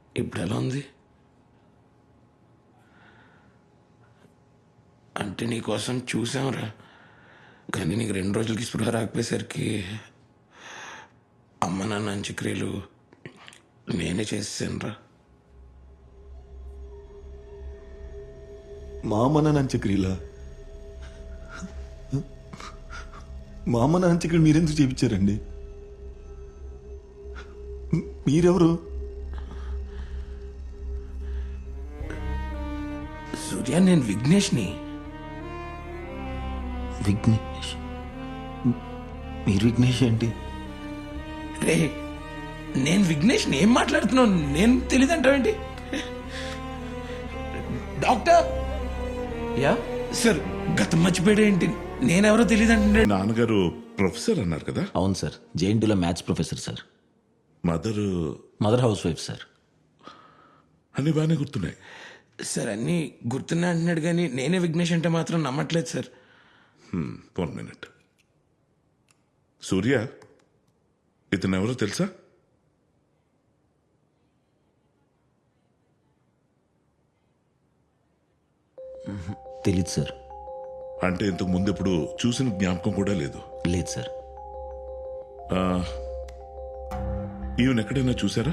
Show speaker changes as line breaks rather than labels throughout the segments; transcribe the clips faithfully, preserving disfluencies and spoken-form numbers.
ఇప్పుడు ఎలా ఉంది? అంటే నీకోసం చూసాంరా, కానీ నీకు రెండు రోజులకి స్పృహ రాకపోయేసరికి అమ్మ నాన్న అంత్యక్రియలు నేనే చేసేసానురా.
మా అమ్మ నాన్న అంత్యక్రియలా? మా అమ్మ నాన్న అంత్యక్రియలు మీరెందుకు చేయించారండి? మీరెవరు?
సూర్య, నేను విఘ్నేష్ని.
విఘ్నేష్? మీరు విఘ్నేష్ ఏంటి?
రే, నేను విఘ్నేష్ని. ఏం మాట్లాడుతున్నావు? నేను తెలియదంటావేంటి? డాక్టర్
యా
సార్, గతం మర్చిపోయాడు ఏంటి? నేనెవరో తెలియదంటే.
నాన్నగారు ప్రొఫెసర్ అన్నారు కదా?
అవును సార్, జేఎన్టీలో maths professor sir.
Mother
mother housewife sir.
అన్ని బాగానే గుర్తున్నాయి
సార్, అన్నీ గుర్తున్నా అంటున్నాడు, కానీ నేనే విఘ్నేష్ అంటే మాత్రం నమ్మట్లేదు సార్.
One minute. సూర్య, ఇతను ఎవరో తెలుసా?
తెలీదు సార్.
అంటే ఇంతకు ముందు ఎప్పుడు చూసిన జ్ఞాపకం కూడా లేదు?
లేదు సార్.
ఈవెన్ ఎక్కడైనా చూసారా?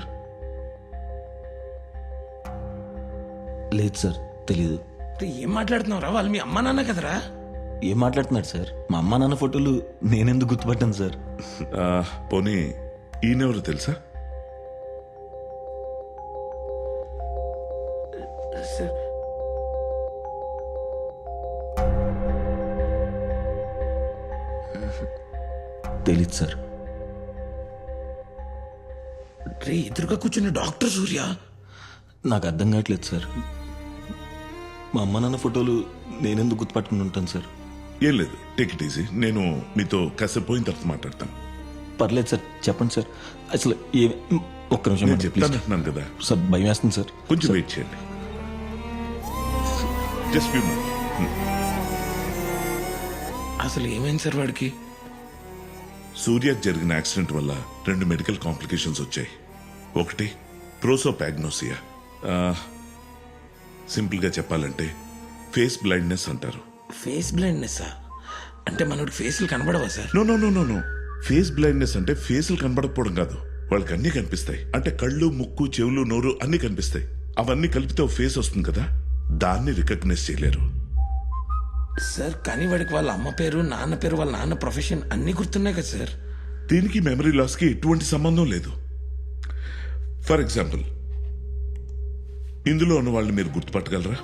లేదు సార్, తెలీదు.
రే, ఏం మాట్లాడుతున్నావురా? వాళ్ళు మీ అమ్మా నాన్న కదరా?
ఏం మాట్లాడుతున్నారు సార్? మా అమ్మ నాన్న ఫోటోలు నేనెందుకు గుర్తుపట్టాను సార్?
ఆ, పోనీ ఈయనెవరో తెలుసా?
సార్,
తెలీదు సార్.
రే, ఎదురుగా కూర్చున్న డాక్టర్ సూర్య.
నాకు అర్థం కావట్లేదు సార్. మా అమ్మ నాన్న ఫోటోలు నేనెందుకు గుర్తుపట్టుకుని ఉంటాను సార్?
ఏం లేదు, టేక్ ఇట్ ఈజీ. నేను మీతో కాసేపు పోయిన తర్వాత మాట్లాడతాను.
పర్లేదు సార్, చెప్పండి సార్. అసలు ఏ ఒక్క నిమిషం
నేను
ప్లీజ్.
చెప్తానంటున్నాను కదా,
సార్ భయం వేస్తుంది సార్.
కొంచెం వెయిట్ చేయండి. Just few minutes.
అసలు ఏమైంది సార్ వాడికి?
సూర్యకు జరిగిన యాక్సిడెంట్ వల్ల రెండు మెడికల్ కాంప్లికేషన్స్ వచ్చాయి. ఒకటి ప్రోసోపాగ్నోసియా. సింపుల్గా చెప్పాలంటే ఫేస్ బ్లైండ్నెస్ అంటారు.
ఫేస్ బ్లైండ్నెస్ అంటే మనోడి ఫేస్లు కనబడవా sir?
No no no no no face blindness అంటే ఫేసులు కనబడకపోవడం కాదు, వాళ్ళకి అన్నీ కనిపిస్తాయి. అంటే కళ్ళు, ముక్కు, చెవులు, నోరు అన్నీ కనిపిస్తాయి. అవన్నీ కలిపితే ఒక ఫేస్ వస్తుంది కదా, దాన్ని రికగ్నైజ్ చేయలేరు.
సార్, కానీ వాడికి వాళ్ళ అమ్మ పేరు, నాన్న పేరు, వాళ్ళ నాన్న ప్రొఫెషన్ అన్నీ గుర్తున్నాయి కదా సార్.
దీనికి మెమరీ లాస్కి ఎటువంటి సంబంధం లేదు. ఫర్ ఎగ్జాంపుల్, ఇందులో ఉన్న వాళ్ళని మీరు గుర్తుపట్టగలరా?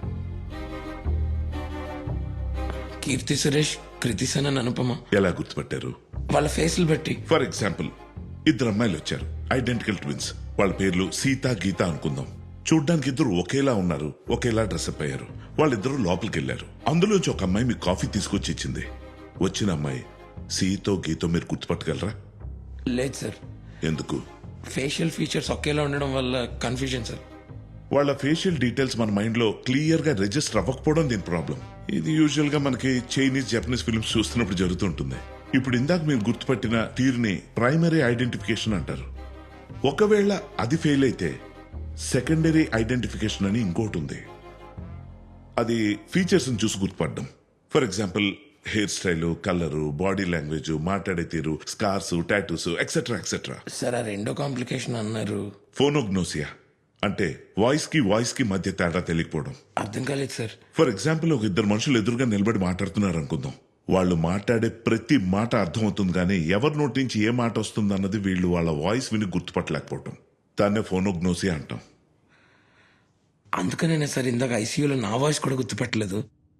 కీర్తి సురేష్, కృతి సనన్, అనుపమ.
ఎలా గుర్తుపట్టారు?
వాళ్ళ ఫేస్లు బట్టి.
ఫర్ ఎగ్జాంపుల్, ఇద్దరు అమ్మాయిలు వచ్చారు, ఐడెంటికల్ ట్విన్స్. వాళ్ళ పేర్లు సీత, గీత అనుకుందాం. చూడ్డానికి ఇద్దరు ఒకేలా ఉన్నారు, ఒకేలా డ్రెస్అప్ అయ్యారు. వాళ్ళిద్దరూ లోపలికి వెళ్లారు. అందులోంచి ఒక అమ్మాయి మీకు కాఫీ తీసుకొచ్చి ఇచ్చింది. వచ్చిన అమ్మాయి సీతో, గీతో మీరు గుర్తుపట్టగలరా?
లేదు సార్.
ఎందుకు?
ఫేషియల్ ఫీచర్స్ ఒకేలా ఉండడం వల్ల కన్ఫ్యూజన్ సార్.
వాళ్ళ ఫేషియల్ డీటెయిల్స్ మన మైండ్ లో క్లియర్ గా రిజిస్టర్ అవ్వకపోవడం దీని ప్రాబ్లం. ఇది యూజువల్ గా మనకి చైనీస్, జపనీస్ ఫిల్మ్స్ చూస్తున్నప్పుడు జరుగుతుంటుంది. ఇప్పుడు ఇందాక మీరు గుర్తుపట్టిన తీరుని ప్రైమరీ ఐడెంటిఫికేషన్ అంటారు. ఒకవేళ అది ఫెయిల్ అయితే సెకండరీ ఐడెంటిఫికేషన్ అని ఇంకోటి ఉంది. అది ఫీచర్స్ చూసి గుర్తుపడడం. For example, hair style, colour, body language, మాట్లాడే తీరు, scars, tattoos, etcetera etcetera.
Sir, ఆ రెండో కాంప్లికేషన్ అన్నారు.
ఫోనోగ్నోసియా అంటే వాయిస్ కి వాయిస్ కి మధ్య తేడా తెలియకపోవడం.
అర్థం కాలేదు సార్.
ఫర్ ఎగ్జాంపుల్, ఒక ఇద్దరు మనుషులు ఎదురుగా నిలబడి మాట్లాడుతున్నారు అనుకుందాం. వాళ్ళు మాట్లాడే ప్రతి మాట అర్థమవుతుంది, కానీ ఎవరి నోటి నుంచి ఏ మాట వస్తుంది అన్నది వీళ్ళు వాళ్ళ వాయిస్ విని గుర్తుపట్టలేకపోవడం. దాన్నే ఫోనోగ్నోసియా అంటాం.
అందుకనే సార్ ఇందాక ఐసీయూలో నా వాయిస్ కూడా గుర్తుపట్టలేదు.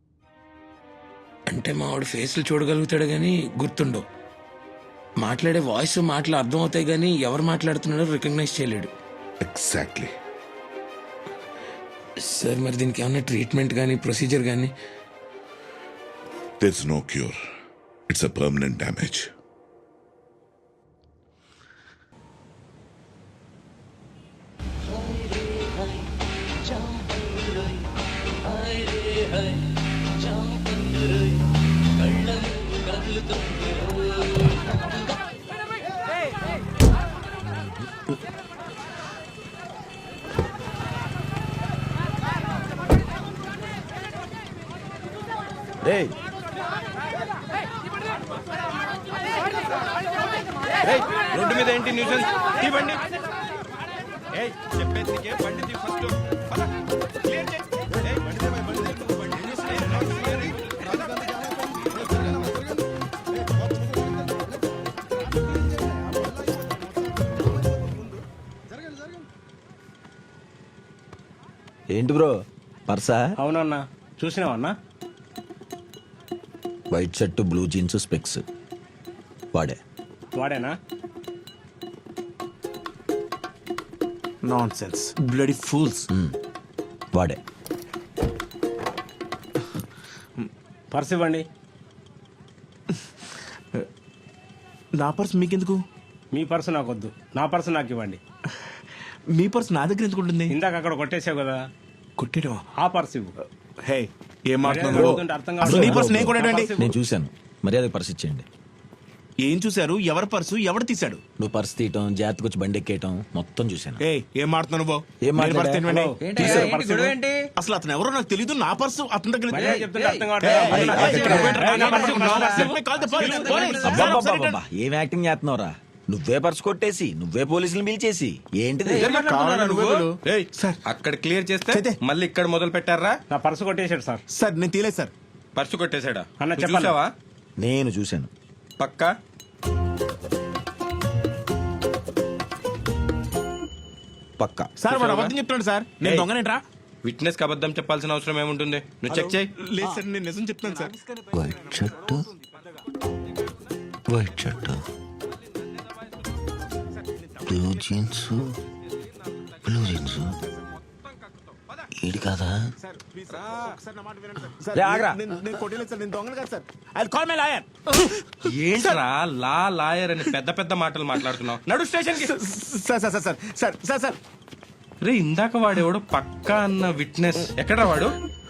అంటే మా వాడు ఫేస్లు చూడగలుగుతాడు కానీ గుర్తుండవు. మాట్లాడే వాయిస్, మాటలు అర్థం అవుతాయి కానీ ఎవరు మాట్లాడుతున్నాడో రికగ్నైజ్ చేయలేడు.
ఎగ్జాక్ట్లీ.
సార్, మరి దీనికి ఏమన్నా ట్రీట్మెంట్ కానీ, ప్రొసీజర్ కానీ?
There's no cure. It's a permanent damage.
రేయ్
ఏయ్, రోడ్డు మీద ఏంటి న్యూసెన్స్? తీ బండి. ఏయ్, చెప్పేది నీకే, బండి తీ ఫస్ట్. పద, క్లియర్ చేయి. ఏయ్, బండి తీ, బండి తీ, నువ్వు బండి తీసి, ఏయ్, రోడ్డు క్లియర్ చేయి.
ఏంటి బ్రో పర్సా?
అవునన్నా, చూసినావన్నా?
White shirt blue jeans specs వాడే.
వాడేనా?
Nonsense bloody fools.
వాడే.
పర్స్ ఇవ్వండి.
నా పర్స్ మీకెందుకు?
మీ పర్సు నాకు వద్దు, నా పర్సు నాకు ఇవ్వండి.
మీ పర్స్ నా దగ్గర ఎందుకు ఉంటుంది?
ఇందాక అక్కడ కొట్టేసావు కదా,
కొట్టేయడమా?
ఆ పర్సు ఇవ్వు.
హే ఏం
మర్యాదగా
మాట్లాడుతున్నావు?
అడుగుతుంటే అర్థం
అసలు నీ
కావట్లేదు.
పర్స్ నేను కొట్టాడండి.
నా పర్సు ఇవ్వు.
నేను చూశాను, మర్యాద పర్స్ ఇచ్చేయండి.
ఏం చూశారు? ఎవరి పర్సు ఎవరు తీశాడు?
నువ్వు పర్స్ తీయటం, జాగ్రత్తగా వచ్చి బండి ఎక్కేయటం మొత్తం చూశాను.
ఏ ఏం మాట్లాడుతున్నావు నువ్వు?
ఏం
నేను పర్స్ తినవండి.
మాట్లాడా?
ఏంటి?
తీశారు
ఏంటి
పర్సు.
గొడవ ఏంటి?
అసలు అతను ఎవరో నాకు తెలియదు. నా పర్సు అతని దగ్గర
మర్యాద చెప్తుంటే అర్థం
ఏయ్,
కావట్లేదు.
ఏయ్,
నా పర్సు,
ఏయ్,
నా
ఏయ్,
పర్సు, నా పర్సు, నా purse.
Let me call the police. Police.
అబ్బబ్బబ్బబ్బబ్బా, ఏం యాక్టింగ్ చేస్తున్నావురా? నువ్వే పర్స్ కొట్టేసి నువ్వే పోలీసులు పిలిచేసి ఏంటిది?
కావాలా నువ్వు?
ఏయ్,
సార్.
అక్కడ క్లియర్ చేస్తే
చేతే.
మళ్ళీ ఇక్కడ మొదలు పెట్టారా? నా పర్సు కొట్టేశాడు సార్.
సార్ నేను తీలేదు సార్.
పర్సు కొట్టేశాడా?
అన్న,
నువ్వు
చెప్పాలా?
చూసావా?
నేను చూశాను.
పక్కా?
పక్కా.
సార్ వాడు అబద్ధం చెప్తున్నాడు సార్. నేను
ఏయ్.
దొంగనేంట్రా?
విట్నెస్ కి అబద్ధం చెప్పాల్సిన అవసరం ఏముంటుంది? నువ్వు చెక్ చేయి.
లేదు సార్, నేను నిజం చెప్తాను sir.
White shirt white shirt blue jeans blue jeans ఈడు కాదా?
సార్,
రే, ఆగ్రా.
నేను నేను కొట్టలేదు సార్. నేను దొంగను కాదు sir. I call my lawyer.
ఏంట్రా లా లాయర్ అని పెద్ద పెద్ద మాటలు మాట్లాడుతున్నావు? నడు స్టేషన్ కి.
Sir sir sir sir sir sir sir
రే, ఇందాక వాడేవాడు పక్కా అన్న విట్నెస్ ఎక్కడా వాడు?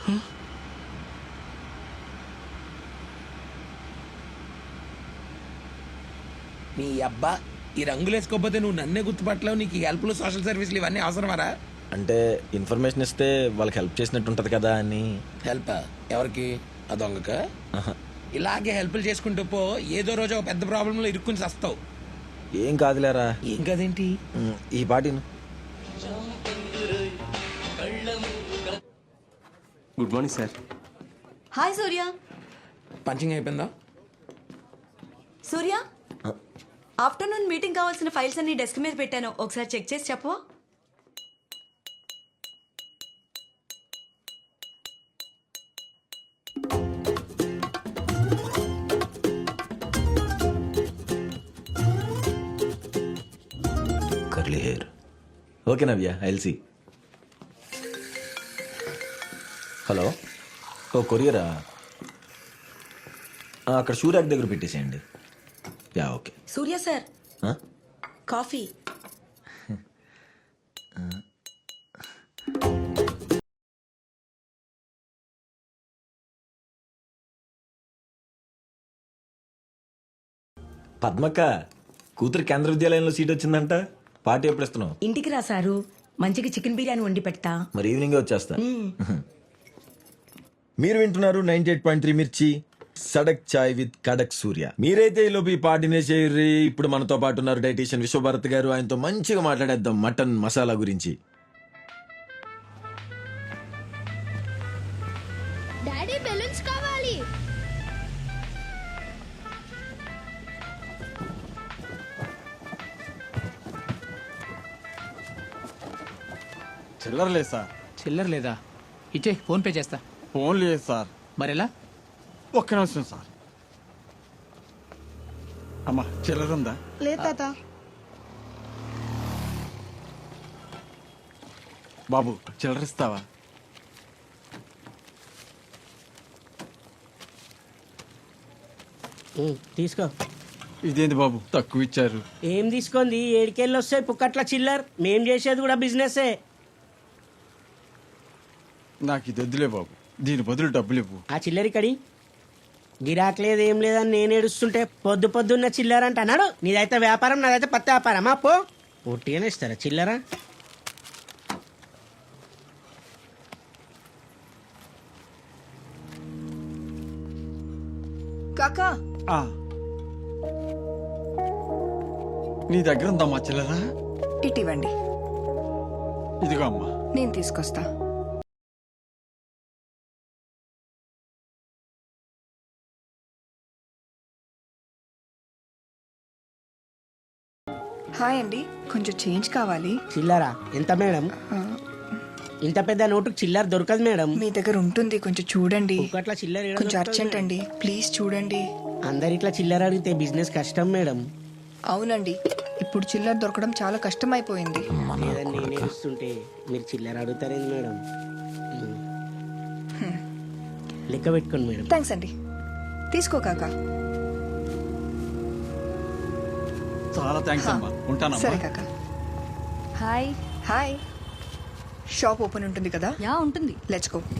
నీ అబ్బా, ఈ రంగులు వేసుకోకపోతే నువ్వు నన్నే గుర్తుపట్టలేవు. నీకు ఈ హెల్ప్లు సోషల్ సర్వీసులు ఇవన్నీ అవసరమారా?
అంటే ఇన్ఫర్మేషన్ ఇస్తే వాళ్ళకి హెల్ప్ చేసినట్టు ఉంటది కదా అని.
హెల్ప్ ఎవరికి? ఆ దొంగక?
ఆహా.
ఇలాగే హెల్ప్లు చేసుకుంటూ పో, ఏదో రోజు ఒక పెద్ద ప్రాబ్లంలో ఇరుక్కుని వస్తావు.
ఏం కాదులేరా.
ఏం కదేంటి?
ఉమ్, ఈ పాటిను.
Good morning sir.
Hi Surya.
Punching అయిపోయిందా?
సూర్య, ఆఫ్టర్నూన్ మీటింగ్ కావాల్సిన ఫైల్స్ అన్ని డెస్క్ మీద పెట్టాను, ఒకసారి చెక్ చేసి చెప్పు.
Curly hair. Okay Navya, I'll see. Hello, ఓ కొరియరా? ఆ, అక్కడ షూరాక్ దగ్గర పెట్టేసేయండి. Yeah okay.
సూర్య సార్,
ఆ?
కాఫీ.
పద్మక్క కూతురు కేంద్ర విద్యాలయంలో సీట్ వచ్చిందంట. పార్టీ ఎప్పుడు ఇస్తున్నావు?
ఇంటికి రా సారు, మంచిగా చికెన్ బిర్యానీ వండి పెడతా.
మరి ఈవినింగ్ వచ్చేస్తా. మీరు వింటున్నారు నైన్టీ ఎయిట్ పాయింట్ త్రీ మిర్చి సడక్ చాయ్ విత్ కడక్ సూర్య. మీరైతే ఈ లోపు ఈ పార్టీనే చేయర్రి. ఇప్పుడు మనతో పాటు ఉన్నారు డైటీషియన్ విశ్వభారత్ గారు. ఆయనతో మంచిగా మాట్లాడేద్దాం మటన్ మసాలా గురించి.
డాడీ బెలూన్స్ కావాలి.
చిల్లర లేదు సార్.
చిల్లర లేదా? ఇచ్చే, ఫోన్ పే చేస్తా.
ఫోన్ లేదు సార్.
మరెలా?
ఒక్క నిమిషం సార్. అమ్మా చిల్లర ఉందా?
లేదు తాత.
బాబు చిల్లర ఇస్తావా?
తీసుకో.
ఇదేంటి బాబు తక్కువ ఇచ్చారు?
ఏం తీసుకుంది? ఏడికెళ్ళి వస్తాయి పుక్కట్ల చిల్లర్. మేం చేసేది కూడా బిజినెసే.
నాకు ఇది వద్దులే బాబు, దీని బదులు డబ్బులు ఇవ్వు.
ఆ చిల్లరి కడి గిరాక్ లేదు ఏం లేదని నేను ఏడుస్తుంటే పొద్దు పొద్దున్న చిల్లర అంట అన్నాడు. నీదైతే వ్యాపారం, నాదైతే పత్తి వ్యాపారమా? పో, ఒట్టిగానే ఇస్తారా చిల్లర?
కాకా
ఆ. నీ దగ్గర ఉందమ్మా చిల్లరా
ఇటివ్వండి,
ఇదిగో అమ్మా.
నేను తీసుకొస్తా. హాయ్ అండి, కొంచెం చేంజ్ కావాలి.
చిల్లరా ఎంత మేడం? ఇంత పెద్ద నోటుకు చిల్లర దొరకదు మేడం.
మీ దగ్గర ఉంటుంది, కొంచెం చూడండి.
ఒకట్ల చిల్లర ఏడ
కొంచెం
దొరుకుతది
అర్జెంట్
మేడం?
అండి, ప్లీజ్ చూడండి.
అందరు ఇట్లా చిల్లర అడిగితే బిజినెస్ కష్టం మేడం.
అవునండి, ఇప్పుడు చిల్లర దొరకడం చాలా కష్టం అయిపోయింది.
లేదని నేనే ఇస్తుంటే మీరు చిల్లర అడుగుతారేంది మేడం? ఉమ్. లెక్క పెట్టుకోండి మేడం.
థ్యాంక్స్ అండి, తీసుకో కాకా.
చాలా థ్యాంక్స్ అమ్మా. ఉంటానమ్మా.
సరే కాకా. Hi hi. షాప్ ఓపెన్ ఉంటుంది కదా?
యా ఉంటుంది.
Let's go.